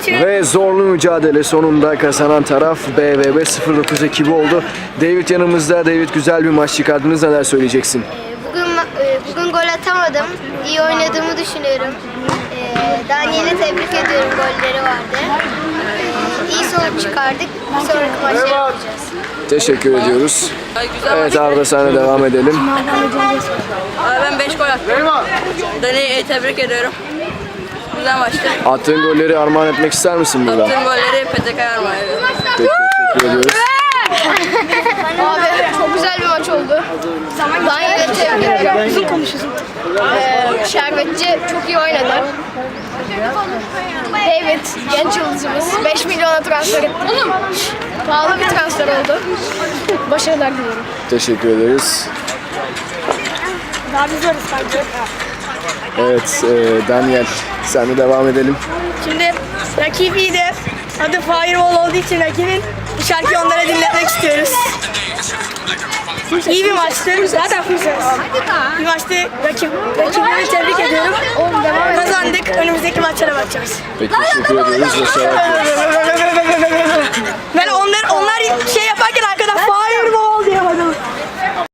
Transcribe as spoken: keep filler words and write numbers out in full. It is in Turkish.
Ve zorlu mücadele sonunda kazanan taraf B V B sıfır dokuz ekibi oldu. David yanımızda. David, güzel bir maç çıkardınız. Neler söyleyeceksin? Bugün bugün gol atamadım. İyi oynadığımı düşünüyorum. Daniel'i tebrik ediyorum. Golleri vardı. İyi sonuç çıkardık. Bir sonraki maçta yapacağız. Teşekkür ediyoruz. Evet Arda, sana devam edelim. Ben beş gol attım. Daniel'i tebrik ediyorum. Güzel maçtı. Attığın golleri armağan etmek ister misin burada? Attığım golleri P T K'ya armağan ediyorum. Peki, teşekkür ediyoruz. Abi çok güzel bir maç oldu. Daniel'i tebrik ediyorum. Uzun konuşuyorsun. Ee, Şerbetçi çok iyi oynadı. David, genç yıldızımız. beş milyona transfer etti. Pahalı bir transfer oldu. Başarılar diliyorum. Teşekkür ederiz. Daha biz varız bence. Evet e, Daniel, sen de devam edelim. Şimdi rakip iyiydi. Adı Firewall olduğu için rakibin bu şarkıyı onlara dinletmek istiyoruz. İyi bir maçtı. Zaten fırsat. Bir maçtı. Rakip, rakipleri tebrik ediyorum. Kazandık. Önümüzdeki maçlara bakacağız. Peki, teşekkür ediyoruz. Başarılar diliyoruz.